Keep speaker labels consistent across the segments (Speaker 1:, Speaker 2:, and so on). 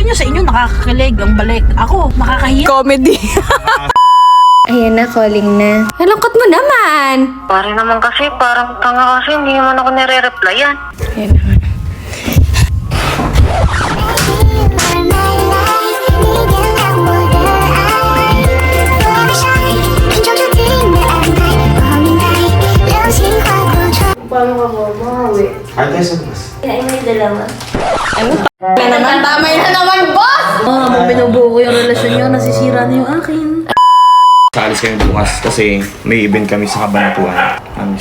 Speaker 1: nyo sa inyo nakakakilig ang balik. Ako, nakakahiya.
Speaker 2: Comedy. Ayan na, calling na. Nalungkot mo naman.
Speaker 3: Pare naman kasi, parang tanga kasi, hindi naman ako nire-replyan.
Speaker 2: Ayan naman.
Speaker 3: Paano ka bumawi?
Speaker 4: Ay, tayo sa bus.
Speaker 3: Ay, may dalawa.
Speaker 2: Ano? Na naman, tamay na naman, boss!
Speaker 1: Habang binubuo ko yung relasyon nyo, nasisira na yung akin.
Speaker 4: Saalis kami bukas kasi may event kami sa Kabanatuan. Amis.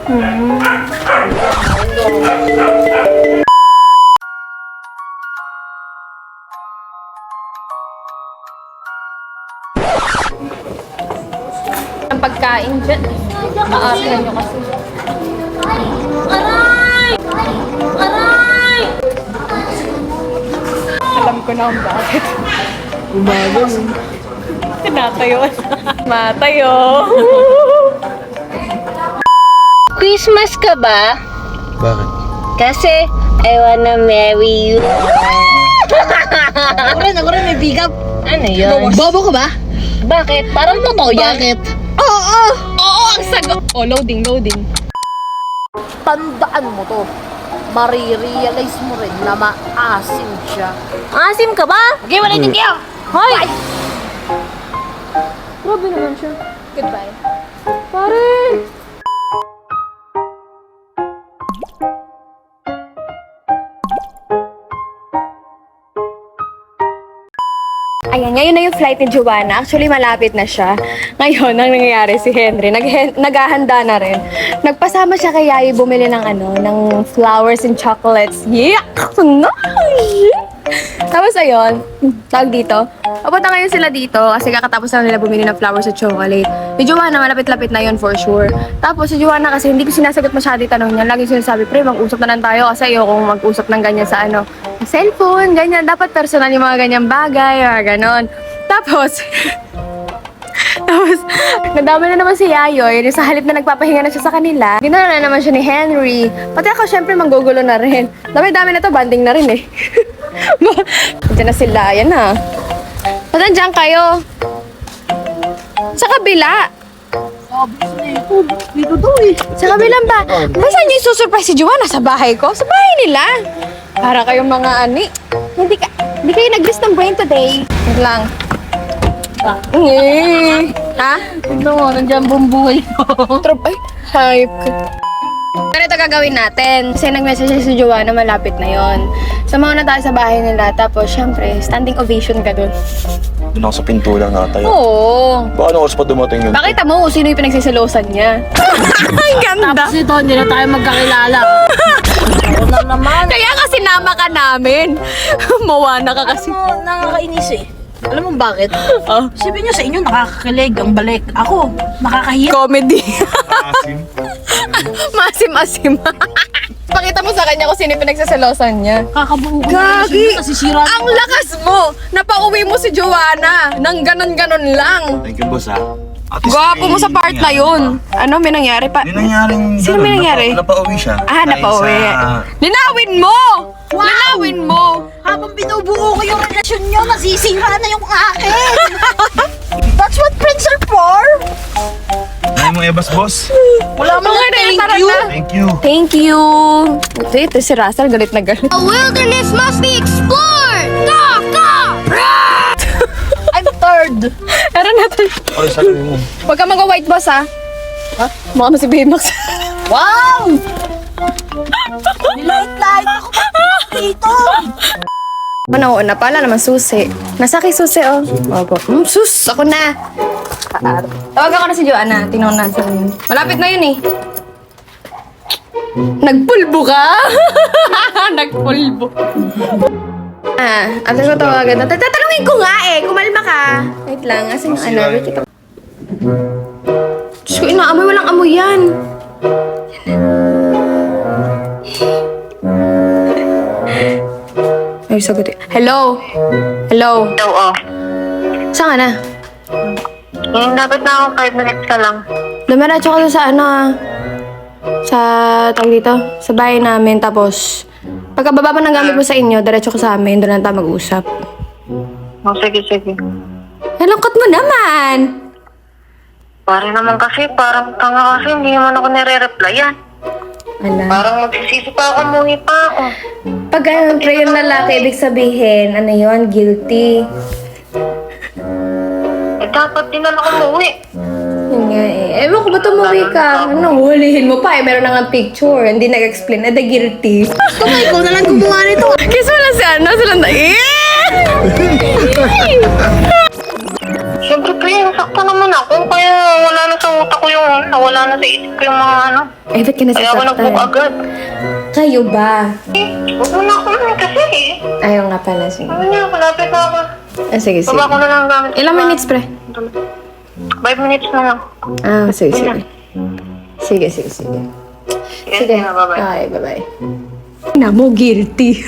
Speaker 2: Ang pagkain dyan. Aapihan nyo kasi. Alam ko na kung bakit.
Speaker 1: Umaga.
Speaker 2: Tinatayo. Matayo.
Speaker 3: Christmas ka ba?
Speaker 4: Bakit?
Speaker 3: Kasi, I wanna marry you.
Speaker 1: Ako rin, may pick up.
Speaker 3: Ano yun?
Speaker 1: Bobo ka ba?
Speaker 3: Bakit? Parang totoo yan.
Speaker 1: Bakit?
Speaker 2: Oo, ang sagot. Oh, loading.
Speaker 1: Tandaan mo to. Marirealize mo rin na maasim siya.
Speaker 3: Asim ka ba? Okay, wala din kayo.
Speaker 2: Hoy! Grabe naman siya. Goodbye. Pare! Ayan, ngayon na yung flight ni Joanna. Actually, malapit na siya. Ngayon, ang nangyayari si Henry, naghahanda na rin. Nagpasama siya kay Yayi bumili ng ng flowers and chocolates. Yeah! Nice! Tapos ayun, tawag dito. Papunta ngayon sila dito kasi kakatapos lang nila bumili ng flowers at chocolate. Si Joanna, malapit-lapit na yun for sure. Tapos si Joanna kasi hindi ko sinasagot masyado yung tanong niya. Lagi sinasabi, pre, mag-usap na lang tayo kasi ayokong mag-usap ng ganyan sa cellphone, ganyan. Dapat personal yung mga ganyang bagay, or ganon. Tapos, nadama na naman si Yayoy. Sa halip na nagpapahinga na siya sa kanila, dinala na naman siya ni Henry. Pati ako, syempre, manggugulo na rin. Dami-dami na to, banding na rin eh. Diyan na sila, yan na. Ba't nandiyan kayo? Sa kabila.
Speaker 1: Dito to eh.
Speaker 2: Sa kabilang ba? Basta niyo isusurprise si Joanna sa bahay ko? Sa bahay nila. Para kayong mga Hindi kayo nag-list ng brain today. Wait lang. Ha?
Speaker 1: Tignan mo, nandiyan bumbuhay ko.
Speaker 2: Ay, hype. Ganito gagawin natin. Kasi nag-message si Joanna, malapit na yon. Samahan na tayo sa bahay nila. Tapos, syempre, standing ovation ka dun.
Speaker 4: Doon ako sa pinto lang natayo.
Speaker 2: Oo.
Speaker 4: Baka anong oras pa dumating yun?
Speaker 2: Pakita mo kung sino yung pinagsisilosan niya. Ang ganda.
Speaker 1: Tapos ito, hindi na tayo magkakilala. Ako na naman.
Speaker 2: Kaya kasi nama ka namin. Mawana ka kasi.
Speaker 1: Ano, nakakainis eh. Alam mo bakit?
Speaker 2: Oh.
Speaker 1: Sabi nyo sa inyo nakakakilig ang balik. Ako, nakakahiya.
Speaker 2: Comedy.
Speaker 4: Asim.
Speaker 2: Masim-asim. Pakita mo sa kanya kung sino yung pinagsisilosan niya.
Speaker 1: Kakabuo ko
Speaker 2: Gagi!
Speaker 1: nasisira.
Speaker 2: Ang lakas mo! Napauwi mo si Joanna nang ganon-ganon lang.
Speaker 4: Thank you, boss, ha? At least
Speaker 2: Gwapo mo sa part na yun. Ano, may nangyari pa?
Speaker 4: May nangyaring...
Speaker 2: Sino may nangyari?
Speaker 4: Napauwi siya.
Speaker 2: Ah,
Speaker 4: Dahil
Speaker 2: napauwi.
Speaker 4: sa-
Speaker 2: Linawin mo! Linawin mo!
Speaker 1: Habang binubuo ko yung relasyon nyo, nasisira na yung akin. That's what friends are for.
Speaker 4: Ay mo, Ebas, boss.
Speaker 1: Wala mo nga
Speaker 2: Thank
Speaker 1: thank
Speaker 2: you.
Speaker 1: you.
Speaker 4: Thank you.
Speaker 2: Thank you! Ito si Russell, galit na galit.
Speaker 3: A wilderness must be explored! Go! Go!
Speaker 1: I'm third.
Speaker 2: Tara natin.
Speaker 4: Ay, sabi mo.
Speaker 2: Huwag ka mag-white boss, ha? Ha? Mukha mo si Baymax.
Speaker 1: Wow! Nilight-light ako dito.
Speaker 2: Una, pala naman susi. Nasa kay susi, oh. Opo. Sus! Ako na! Tawagan ko na si Joanna. Tingnan ko natin. Malapit na yun, eh. Nagpulbo ka? Nagpulbo. After ko tawagan. Tatanungin ko nga, eh. Kumalma ka. Wait lang. Asan yung Wait, ito. Diyos ko, inaamoy. Walang amoy yan. Ay, sagot eh. Hello? Hello?
Speaker 3: Oo.
Speaker 2: Saan ka na?
Speaker 3: Dapat na ako 5 minutes ka lang.
Speaker 2: Dumiretso ka sa sa tawag dito, sa bahay namin. Tapos, pagkababa pa ng gamit mo sa inyo, diretso ka sa amin, doon lang tayo mag-usap.
Speaker 3: Oh, sige.
Speaker 2: Nalungkot mo naman.
Speaker 3: Pare naman kasi, parang tanga kasi, hindi naman ako nire-replyan.
Speaker 2: Ala.
Speaker 3: Parang magsisisi pa ako, umuwi pa ako.
Speaker 2: Pag ganun, pre, yung lalaki, ibig sabihin, ano yun, guilty.
Speaker 3: Eh, dapat din naman ako umuwi.
Speaker 2: Yun nga eh. Ewan ko, ba't umuwi ka? Ano, hulihin mo pa eh. Meron na nga picture. Hindi nag-explain. The guilty.
Speaker 1: Gusto mo, ikaw na lang gumawa nito.
Speaker 2: Kiss mo na si ano, silang na
Speaker 3: Siyempre, pre, sakto naman ako. Kaya wala na sa utak ko yung, nawala na sa isip ko yung mga ano.
Speaker 2: Eh, ba't ka
Speaker 3: Kaya ako nag-book
Speaker 2: nasasaktan?
Speaker 3: agad.
Speaker 2: Kayo ba?
Speaker 3: Huwag mo na ako naman kasi eh.
Speaker 2: Ayaw nga pala, sige.
Speaker 3: Ano na, malapit na ako.
Speaker 2: Ah, sige, sige.
Speaker 3: Baba ko na lang ang gamit.
Speaker 2: Ilang minutes, pre?
Speaker 3: 5 minutes na lang.
Speaker 2: Ah, sige, sige. Sige.
Speaker 3: Sige, bye-bye.
Speaker 2: Okay, bye-bye. Na mo, guilty.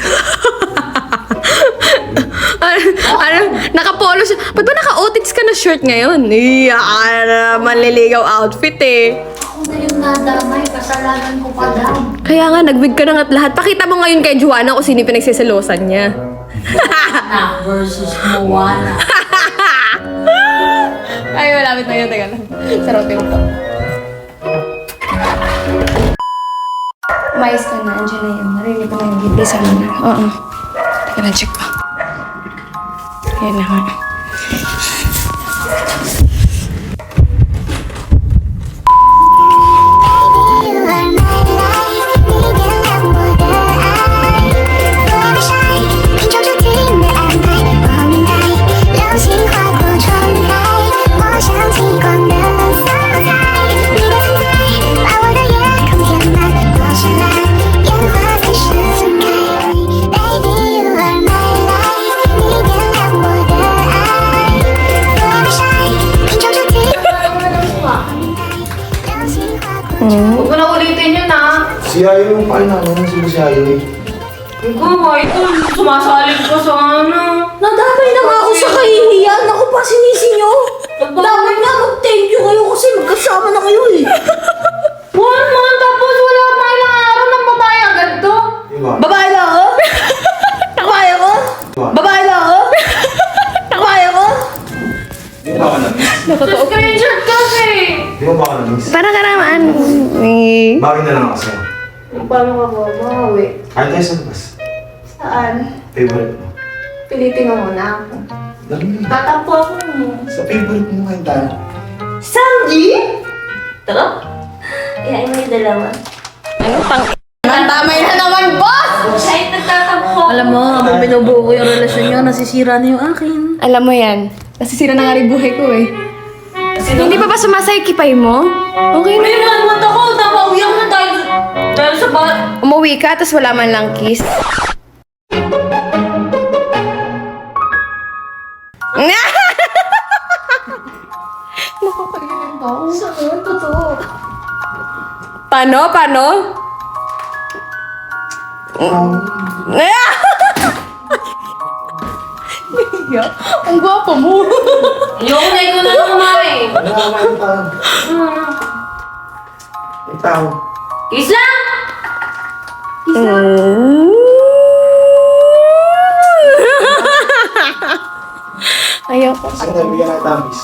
Speaker 2: ano, naka-polo siya. Ba't ba naka-otits ka na shirt ngayon? Manliligaw outfit eh.
Speaker 1: Ako na yung nadamay, kasalanan ko pa lang.
Speaker 2: Kaya nga, nag-wig ka na nga't lahat. Pakita mo ngayon kay Juana kung sino yung pinagsiselosan niya.
Speaker 1: Na versus Moana.
Speaker 2: Ay, malapit na yun. Teka lang. Sarapin ko. Umayos ka na. Andiyan na yun. Narinig ko na yung bibli sa mga. Oo. Teka lang, check pa. Ayan na nga.
Speaker 5: Huwag mo na ulitin yun ah.
Speaker 6: Si Ayo yung paano namin, sino si Ayo eh?
Speaker 5: Ikaw, ito, sumasalig ko sa ano.
Speaker 1: Nadamay na nga ako sa kahihiyan. Ako pa sinisi nyo. Dapat nga mag-thank you kayo kasi magkasama na kayo eh.
Speaker 5: 1 month, tapos wala pa ilang araw ng babae agad to.
Speaker 6: Diba?
Speaker 1: Babae na ako? Babae ako? Babae na ako? Babae ako?
Speaker 6: Di ba ka na-miss?
Speaker 5: Screenshot kasi.
Speaker 6: Di ba ka na-miss?
Speaker 2: Para ka naman.
Speaker 6: Bakit na lang kasi?
Speaker 5: Paano ka babawi?
Speaker 6: Kahit tayo sa labas.
Speaker 5: Saan?
Speaker 6: Favorite mo.
Speaker 5: Pilitin mo muna ako.
Speaker 6: Dali.
Speaker 5: Tatampo ako mo.
Speaker 6: Sa favorite mo kayo tayo.
Speaker 5: Sanji? Tara. Ihain mo yung dalawa.
Speaker 2: Ano pang... Nandamay na naman, boss!
Speaker 5: Kahit nagtatampo.
Speaker 1: Alam mo, habang binubuo ko yung relasyon nyo, nasisira na yung akin.
Speaker 2: Alam mo yan. Nasisira na nga rin buhay ko eh. Hindi pa ba sumasay kipay mo? Okay na.
Speaker 5: May 1 month ako, napawiyak na dahil sa bat.
Speaker 2: Umuwi ka, tapos wala man lang kiss. Nakakailan ba?
Speaker 1: Saan? Totoo.
Speaker 2: Paano? Ang gwapo mo.
Speaker 5: Yung na ko na kumari.
Speaker 6: Ano nga kayo tayo? May tao.
Speaker 5: Kiss lang!
Speaker 2: Ayoko.
Speaker 6: Saan tayo bigyan ng tamis?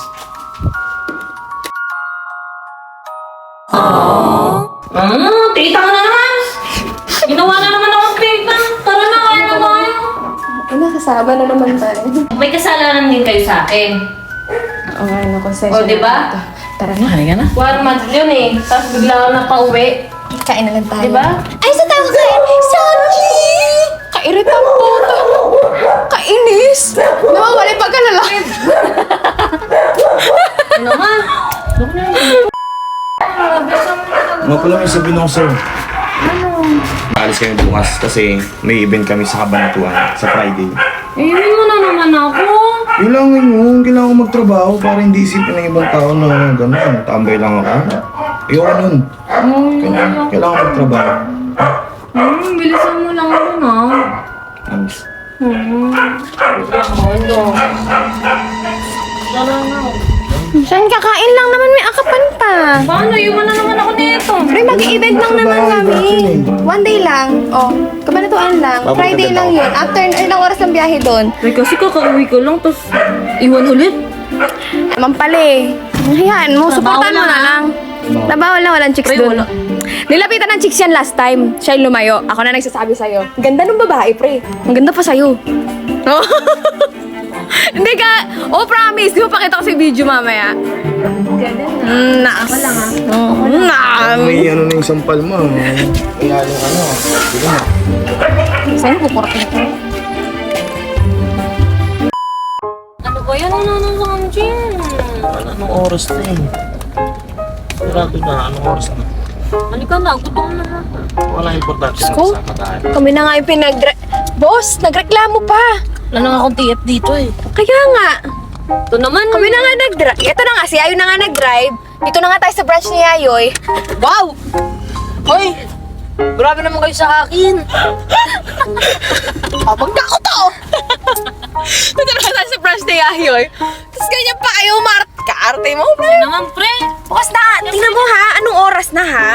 Speaker 5: Tita ka na naman! Ginawa na naman akong tita. Tara na, kaya na tayo.
Speaker 2: Ay, nakasama na naman tayo.
Speaker 5: May kasalanan din kayo sa akin.
Speaker 2: Oo nga, ano, konsensya.
Speaker 5: O, diba?
Speaker 2: Tara na.
Speaker 1: Halika na.
Speaker 5: 1 month yun eh. Tapos bigla ako napauwi.
Speaker 2: Kain na lang tayo.
Speaker 5: Diba?
Speaker 2: Ay, sa tayo kain! Sanji! Kairitang puta. Kainis. Nawawala yung pagkalala.
Speaker 5: Ano nga?
Speaker 4: Mga pala may sabihin ako sir. Alis kami bukas kasi may event kami sa Kabanatuan sa Friday.
Speaker 5: Iiwan mo na naman ako.
Speaker 6: Kailangan yun, kailangan ko magtrabaho para hindi isipin ng ibang tao na gano'n, tambay lang ako. Ayoko nun. Kailangan ko magtrabaho.
Speaker 5: Bilisan mo lang ako na.
Speaker 6: Amis.
Speaker 5: Bilisan mo. Tara na.
Speaker 2: Saan kakain lang naman, may akapan pa.
Speaker 5: Paano? Iwan na naman ako nito.
Speaker 2: Pre, mag-event lang naman kami. One day lang. Oh, kabanatuan lang.
Speaker 6: Babalik
Speaker 2: Friday
Speaker 6: agad
Speaker 2: lang
Speaker 6: ako.
Speaker 2: yun. After ilang oras ng biyahe doon.
Speaker 5: Ay, kasi kakauwi ko lang, tapos iwan ulit.
Speaker 2: Naman pala eh. Hayaan mo, supportan mo na lang. Nabawal na walang chicks
Speaker 5: Pre,
Speaker 2: doon.
Speaker 5: wala.
Speaker 2: Nilapitan ng chicks yan last time. Siya yung lumayo. Ako na nagsasabi sa'yo. Ang ganda ng babae, pre. Ang ganda pa sa'yo. Oh. Hindi ka. Oh, promise. Di mo pakita ko sa video mamaya. Naas.
Speaker 6: May ano na yung sampal mo. Kaya yung ano. Sige na.
Speaker 2: Sa'yo, kukurapin ko.
Speaker 5: Ano ba yan? Ano sa kanjin?
Speaker 4: Anong oras na eh? Sarado na, anong oras na?
Speaker 5: Halika na, gutom na nga.
Speaker 4: Wala importante na
Speaker 2: Sko?
Speaker 4: kasama tayo.
Speaker 2: Kami na nga yung Boss, nagreklamo pa.
Speaker 5: Wala na nga akong TF dito eh.
Speaker 2: Kaya nga.
Speaker 5: Ito naman.
Speaker 2: Kami na nga nag-drive. Ito na nga, si Ayoy na nga nag-drive. Dito na nga tayo sa branch ni Ayoy.
Speaker 5: Wow! Hoy! Grabe naman kayo sa akin.
Speaker 2: Abang na ako to! Dito na nga tayo sa branch ni Ayoy. Tapos ganyan pa kayo, kaarte mo, pre.
Speaker 5: Ano naman, pre?
Speaker 2: Bukas na, tingnan mo ha, anong oras na ha?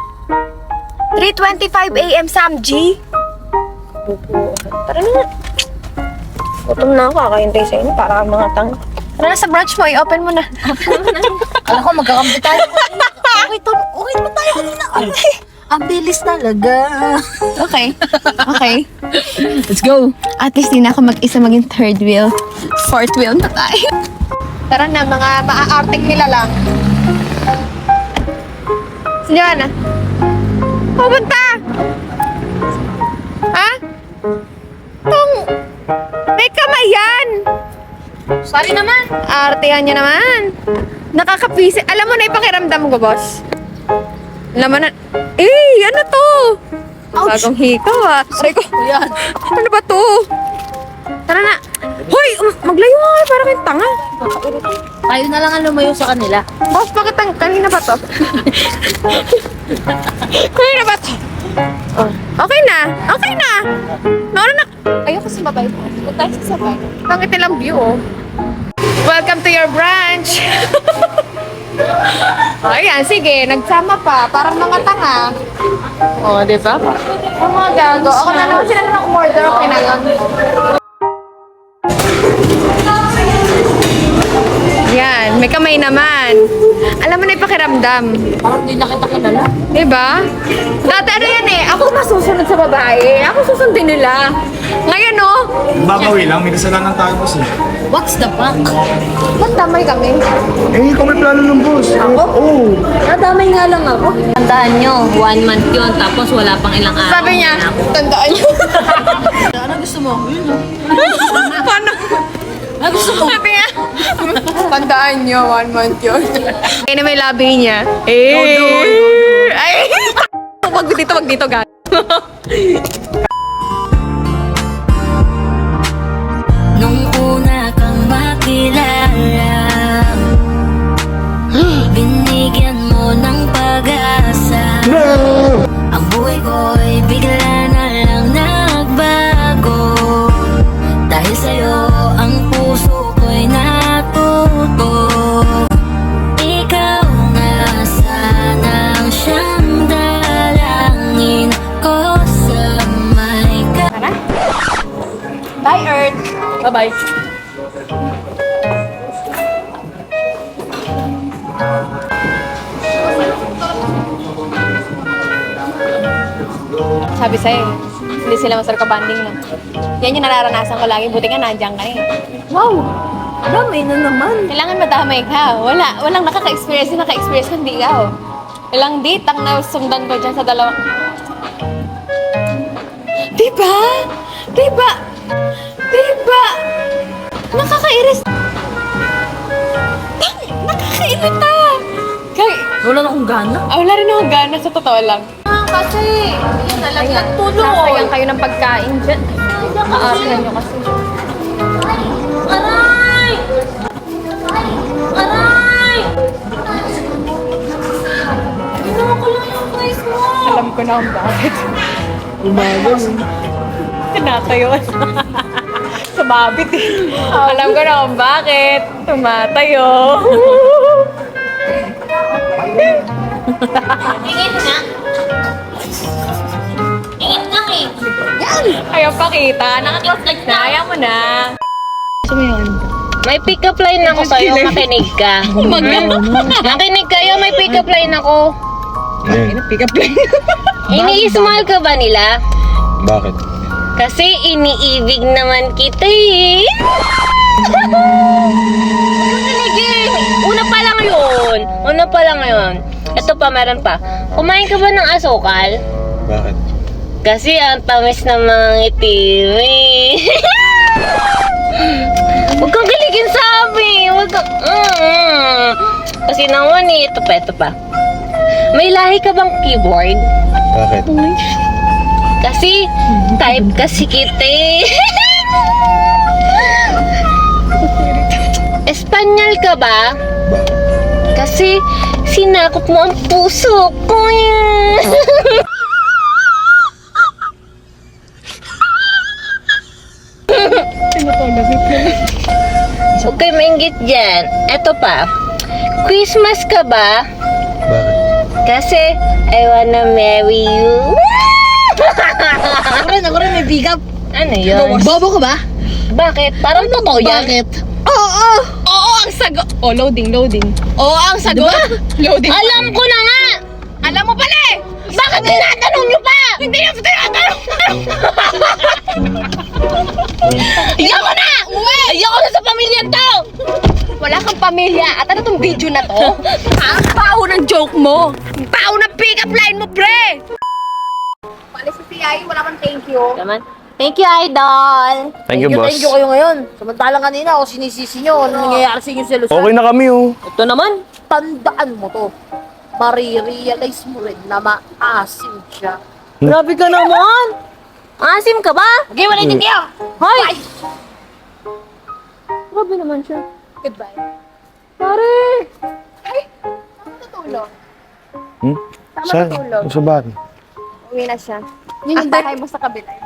Speaker 2: 3:25 a.m. Samji. Tara na nga. Gutom na ako, kakahintay sa inyo para mga tang. Tara na sa branch mo, i-open mo na.
Speaker 1: Alam ko, magkakampi tayo. Okay naman tayo kanina. Okay. Ang bilis talaga.
Speaker 2: Okay. Okay.
Speaker 1: Let's go.
Speaker 2: At least di na ako mag-isa maging third wheel. Fourth wheel na tayo. Tara na, mga maa-arting nila lang. Si Joanna. Pupunta! Ha? Tong... May kamay yan!
Speaker 5: Sorry naman.
Speaker 2: Artehan niya naman. Nakakapisi. Alam mo na ipakiramdam ko, boss. Alam mo na... Eh, ano to? Bagong hikaw ah. Aray ko.
Speaker 5: Yan.
Speaker 2: Ano ba to? Tara na. Hoy, maglayo nga kayo para kayong tanga.
Speaker 1: Tayo na lang ang lumayo sa kanila.
Speaker 2: Boss, bakit kanina ba to? Kanina ba to? Oh. Okay na. Okay na. Nauna na. Ayoko sumabay. Kung tayo sasabay. Pangit nilang view, oh. Welcome to your branch. Ayan, sige. Nagsama pa. Parang mga tanga. Oh, di ba? Ang mga gago. Ako na naman sila na order. Okay na lang. Yan, may kamay naman. Alam mo na ipakiramdam.
Speaker 5: Parang di na kita kilala.
Speaker 2: Diba? Dati ano yan eh, ako masusunod sa babae. Ako susundin nila. Ngayon oh,
Speaker 6: Babawi lang, may kasalanan tayo boss eh.
Speaker 1: What's the fuck?
Speaker 2: ba't damay kami?
Speaker 6: Eh, ikaw may plano ng boss. Ako? Oo.
Speaker 5: Nadamay nga lang ako. Tandaan nyo, 1 month yun, tapos wala pang ilang araw.
Speaker 2: Sabi niya, tandaan niyo.
Speaker 1: Ano gusto mo?
Speaker 2: Paano?
Speaker 1: Ano gusto mo?
Speaker 2: Sabi niya, tandaan niyo, 1 month yun. Kaya na may labi niya. Eh! Ay! Wag dito, gag.
Speaker 7: Nung una kang makilala, binigyan mo ng pag-asa. Ang buhay ko'y bigla na lang nagbago. Dahil sa'yo ang puso ko'y natuto. Ikaw na sanang siyang dalangin ko sa may
Speaker 2: Bye, Earth.
Speaker 5: Bye-bye.
Speaker 2: Sabi sa'yo, hindi sila masarap ka-banding na. Yan yung nararanasan ko lagi. Buti nga nandiyan ka eh.
Speaker 1: Wow! Damay na naman.
Speaker 2: Kailangan madamay ka. Walang nakaka-experience. Yung naka-experience ko, hindi ikaw. Ilang date ang nasundan ko dyan sa dalawa. Diba? Diba? Diba? Nakakairis. Nakakairita.
Speaker 5: Wala na akong gana.
Speaker 2: Wala rin akong gana sa totoo lang. Kasi, yun na lang yung tuloy. Nasayang kayo ng pagkain dyan. Aaryan nyo kasi.
Speaker 5: Aray! Aray! Ginawa ko lang yung face mo.
Speaker 2: Alam ko na kung bakit. Umayon. Tinatayon. Sa sumabit eh. Alam ko na kung bakit. Tumatayo.
Speaker 5: Ingit nga. Ingit nga eh.
Speaker 2: Ayaw pakita. Nakaklose na. Ayaw mo na.
Speaker 3: May pick-up line ako sa'yo, makinig ka. Makinig kayo, may pick-up line ako.
Speaker 6: Ayun.
Speaker 3: Ini-smile ka ba nila?
Speaker 6: Bakit?
Speaker 3: Kasi iniibig naman kita eh. Makinig. Una pa lang yun. Ito pa, meron pa. Kumain ka ba ng asukal?
Speaker 6: Bakit?
Speaker 3: Kasi ang tamis ng mga itim eh. Huwag kang kiligin sa amin. Huwag kang... Kasi naman eh, ito pa. May lahi ka bang keyboard?
Speaker 6: Bakit?
Speaker 3: Kasi, type kasi kita eh. Espanyol ka ba?
Speaker 6: Bakit?
Speaker 3: Kasi, sinakop mo ang puso ko eh. Huwag kayo mainggit dyan. Eto pa. Christmas ka ba?
Speaker 6: Bakit?
Speaker 3: Kasi, I wanna marry you.
Speaker 1: Ako rin, may pick up.
Speaker 3: Ano yun?
Speaker 1: Bobo ka ba?
Speaker 3: Bakit? Parang totoo yan.
Speaker 1: Bakit?
Speaker 2: Oo, ang sagot. Oh, loading. Oo, ang sagot. Loading.
Speaker 3: Alam ko na nga!
Speaker 2: Alam mo pala eh.
Speaker 3: Bakit tinatanong nyo pa?
Speaker 2: Hindi na tinatanong.
Speaker 3: Ayoko na! Ayoko na sa pamilya to!
Speaker 2: Wala kang pamilya. At ano tong video na to? Ang pao ng joke mo. Ang pao ng pick-up line mo, pre. Palis sa CI, wala kang thank you.
Speaker 3: Naman. Thank you, Idol!
Speaker 4: Thank you, boss.
Speaker 1: Thank you kayo ngayon. Samantalang kanina ako sinisisi nyo. Ano nangyayari sa inyo sa Luzon?
Speaker 4: Okay na kami, oh.
Speaker 3: Ito naman.
Speaker 1: Tandaan mo to. Marirealize mo rin na maasim siya.
Speaker 3: Grabe ka naman! Asim ka ba?
Speaker 1: Okay, wala din kayo!
Speaker 3: Hoy!
Speaker 2: Grabe naman siya.
Speaker 1: Goodbye.
Speaker 2: Pare. Ay, tama natulog.
Speaker 6: Saan? Sa bahay?
Speaker 2: Uwi na siya. Yun yung bahay mo sa kabila.